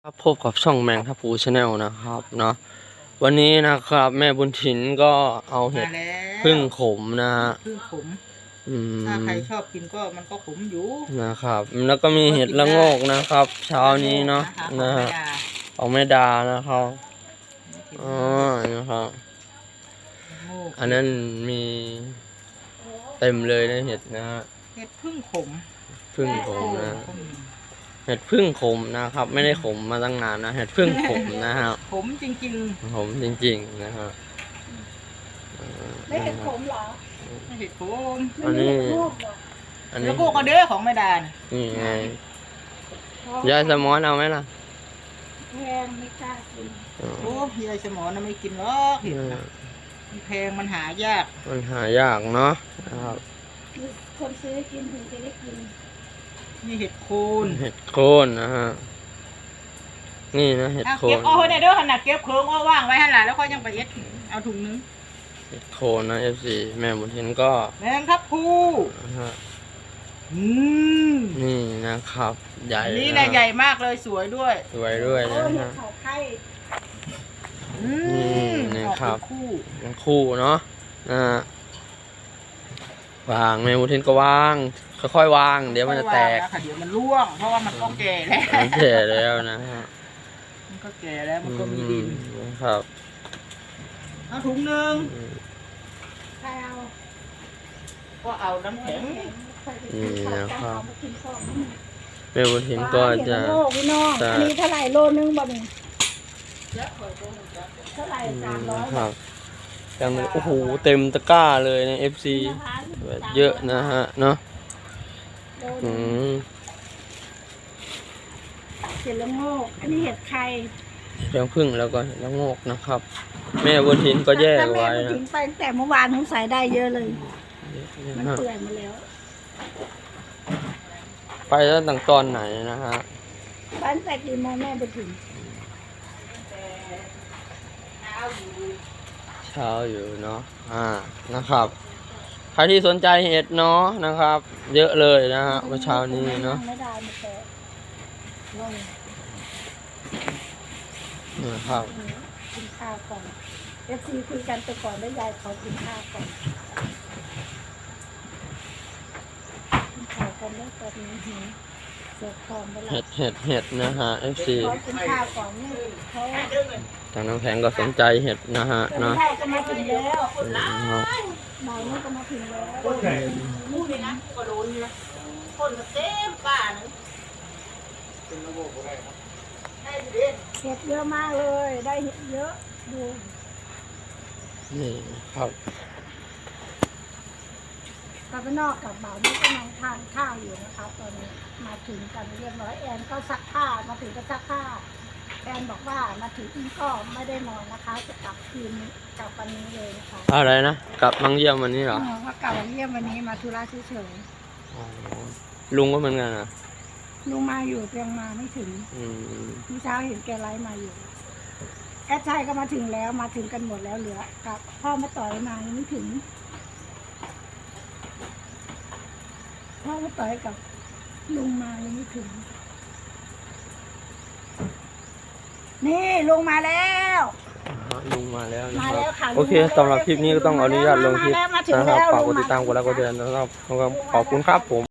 ครับพบกับช่องแมงทับพูชาแนลนะครับเนาะวันนี้นะครับแม่บุญถิ่นก็เอาเห็ดพึ่งขมนะฮะพึ่งขมอืถ้าใครมชอบกินก็มันก็ขมอยู่นะครับแล้วก็มีเห็ดละโงกนะครับเช้านี้เนาะนะฮะของแม่ดานะครับอ๋อนะครับอันนั้นมีเต็มเลยนะเห็ดนะฮะเห็ดพึ่งขมพึ่งขมนะเห็ดพึ่งขมนะครับไม่ได้ขมมาตั้งนานนะเห็ดพึ่งขมนะครับขมจริงขมจริงๆนะฮะไม่เห็ดขมเหรอๆไม่เห็ดขมอันนี้แล้วพวกกระเด้อของแม่ดานี่ไงยายสมอนเอาไหมล่ะแพงไม่กล้ากินโอ้ยายสมอนะไม่กินหรอกเห็ดนะมันแพงมันหายากเนาะนะครับคนซื้อกินถึงจะได้กินนี่เห็ดโคนนะฮะนี่นะเห็ดโคนเก็บเอาไว้ในเด้อขนาดเก็บเคิงเอาว่างไว้ให้หลานแล้วก็ยังไปเอ็ดเอาถุงนึงเห็ดโคนนะ FC แม่บุญเห็นก็แมงทับพูนี่นะครับใหญ่นี่นะใหญ่มากเลยสวยด้วยนะฮะนี่ครับคู่เนาะวางแม่บุญเห็นก็วางค่อยๆวางเดี๋ยวมันจะแตกเดี๋ยวมันร่วงเพราะว่ามันก็แก่แล้วนะฮะมันก็แก่แล้วมันก็มีดินครับเอาถุงนึงใครเอาก็เอาน้ำแข็งนี่นะครับแม่บุญถิ่นก็จะพี่น้องอันนี้เท่าไหร่โลนึงบ่นี่เท่าไหร่300 ครับยังโอ้โหเต็มตะกร้าเลยใน FC เยอะนะฮะเนาะเห็ดละโงกอันนี้เห็ดไข่เรื่องพึ่งแล้วก็ละโงกนะครับแม่บุญถิ่นก็แยกไว้นะทิ้งไปแต่เมื่อวานผมใส่ได้เยอะเลยมันเปื่อยมาแล้วไปแล้วตั้งตอนไหนนะฮะบ้านแต่กี่โมงแม่ไปถึงเช้าอยู่เนาะนะครับใครที่สนใจเห็ดเนาะนะครับเยอะเลยนะฮะเมื่อเช้านี้เนาะนะครับกินข้าวก่อนFCคุยกันไปก่อนแล้วยายขอกินข้าวก่อนกินข้าวก่อนแล้วตอนนี้เสียคอมไปแล้วเห็ดนะฮะ FC ขอกินข้าวก่อนเนี่ยเขาทางน้ำแข็งก็สนใจเห็ดนะฮะเนาะก็มาถึงแล้วบ่ายนี้ก็มาถึงแล้วพูดเลยนะพูดก็โดนนะคนก็เต็มป่านึงเห็ดเยอะมากเลยได้เห็ดเยอะดูนี่ครับกลับไปนอกกับบ่าวนี่ก็นั่งทานข้าวอยู่นะคะตอนนี้มาถึงกันเรียบร้อยแอนก็ซักผ้ามาถึงก็ซักผ้าแอนบอกว่ามาถึงก็ไม่ได้นอนนะคะจะกลับคืนกลับวันนี้เลยนะคะอะไรนะกลับมังเยี่ยมวันนี้เหรอว่ากลับมาเยี่ยมวันนี้มาธุระเฉยๆลุงก็เหมือนกันนะลุงมาอยู่เพียงมาไม่ถึงพี่เช้าเห็นแกไลฟ์มาอยู่แอดชัยก็มาถึงแล้วมาถึงกันหมดแล้วเหลือกับพ่อมาต่อยมายังไม่ถึงพ่อมาต่อยกับลุงมายังไม่ถึงนี่ลุงมาแล้วนะครับโอเคสำหรับคลิปนี้ก็ต้องอนุญาตลงคลิปนะครับฝากกดติดตามกดไลค์กดแชร์นะครับขอบคุณครับผม